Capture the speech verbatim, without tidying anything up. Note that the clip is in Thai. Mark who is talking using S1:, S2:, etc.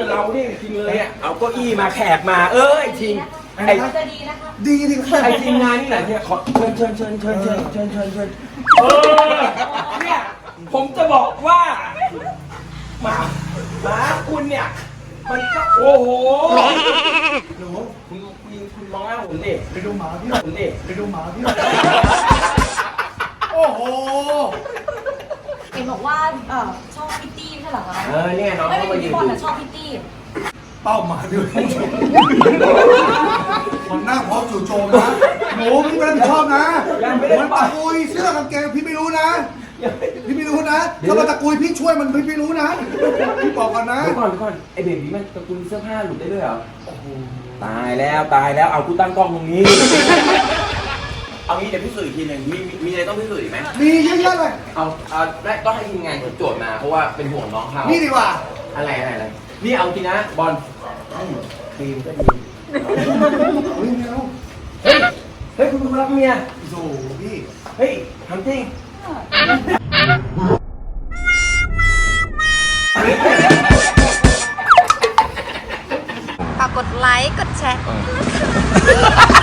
S1: เราเนี่ยจริงเลยอ่ะเอาเก้าอี้มาแขกมาเอ้ยจริงไอ้จะดีนะคะดีดีไอ้ทีมงานนี่แหละเนี่ยขอเชิญเชิญเชิญเชิญเชิญเชิญเชิญเชิญเออเนี่ยผมจะบอกว่าหมาหมาคุณเนี่ยมันก็โอ้โหหนูคุณคุณคุณมองหน้าผมดิไปดูหมาพี่หน่อยผมดิไปดูหมาพี่หน่อยโอ้โห
S2: เห็นบอกว่าเออชอบพิตตี้ใช่เหรอคะ
S1: เออเนี่ยน้องเขามายืนดู
S2: ชอบพิตตี้
S3: เป้าหมายด้วยมันหน้าพร้อมจู่โจมนะหนูพี่ไม่รับผิดชอบนะมันตะกุยเสื้อกางเกงพี่ไม่รู้นะพี่ไม่รู้นะถ้ามันตะกุยพี่ช่วยมันพี่ไม่รู้นะพี่บอกก่อนนะ
S1: เดี๋ยวก่อนเดี๋ยวก่อนไอเบบี้มันตะกุยเสื้อผ้าหลุดได้ด้วยเหรอตายแล้วตายแล้วเอากูตั้งกล้องตรงนี้เอางี้เดี๋ยวพิสูจน์อีกทีหนึ่งมีมีอะไรต้องพิสูจน์อีกไหม
S3: มีเยอะแยะเลย
S1: เอาเอาได้ต้องให้ทีมงานโจทย์มาเพราะว่าเป็นห่วงน้องเขา
S3: นี่ดีกว่า
S1: อะไรอะไรอะไรนี่เอาจริงนะบอลครีมก็ดี
S3: เฮ้ยเมีย
S1: เฮ้ยเฮ้ยคุณคุณรักเมีย
S3: โซ่พี่
S1: เฮ้ยทำจริง
S2: ฝากกดไลค์กดแชร์